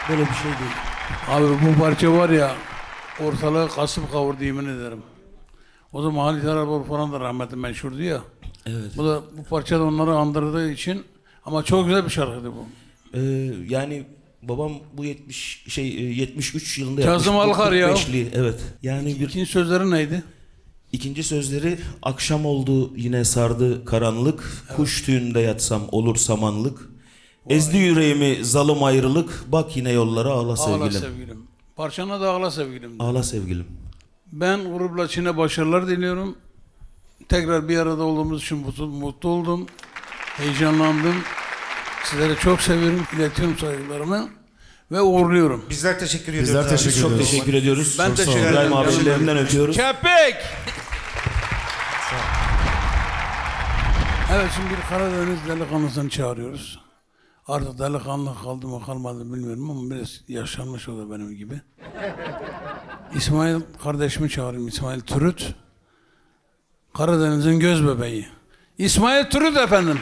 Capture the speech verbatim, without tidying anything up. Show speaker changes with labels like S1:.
S1: Böyle bir şey değil.
S2: Abi bu parça var ya, ortalığı kasıp kavurdu yemin ederim. O zaman Halit Erabor falan da rahmetli meşhurdu ya.
S1: Evet.
S2: Bu da bu parça da onları andırdığı için, ama çok güzel bir şarkıydı bu.
S1: Ee, yani babam bu yetmiş şey yetmiş üç yılında
S2: Kazım
S1: yapmış.
S2: Alkar ya.
S1: kırk beşli, evet. Yani bir
S2: İkinci sözleri neydi?
S1: ikinci sözleri akşam oldu yine sardı karanlık. Evet. Kuş tüyünde yatsam olur samanlık. Vay. Ezdi yüreğimi zalım ayrılık. Bak yine yollara ağla sevgilim.
S2: Ağla sevgilim. Parçana da ağla sevgilim.
S1: Ağla sevgilim.
S2: Ben grupla Çin'e başarılar diliyorum. Tekrar bir arada olduğumuz için mutlu, mutlu oldum. Heyecanlandım. Sizleri çok seviyorum. İletiyorum saygılarımı. Ve uğurluyorum.
S3: Bizler teşekkür ediyoruz.
S4: Bizler
S3: abi.
S4: teşekkür
S1: Çok
S4: ediyoruz.
S1: teşekkür ediyoruz.
S2: Ben
S1: Çok
S2: teşekkür
S1: sağ olun.
S2: ederim.
S1: İbrahim abi ellerinden öpüyoruz.
S2: Köpek! Evet, şimdi bir Karadeniz delikanlısını çağırıyoruz. Artık delikanlı kaldı mı kalmadı bilmiyorum ama biraz yaşlanmış o da benim gibi. İsmail kardeşimi çağırayım, İsmail Türüt. Karadeniz'in göz bebeği. İsmail Türüt efendim.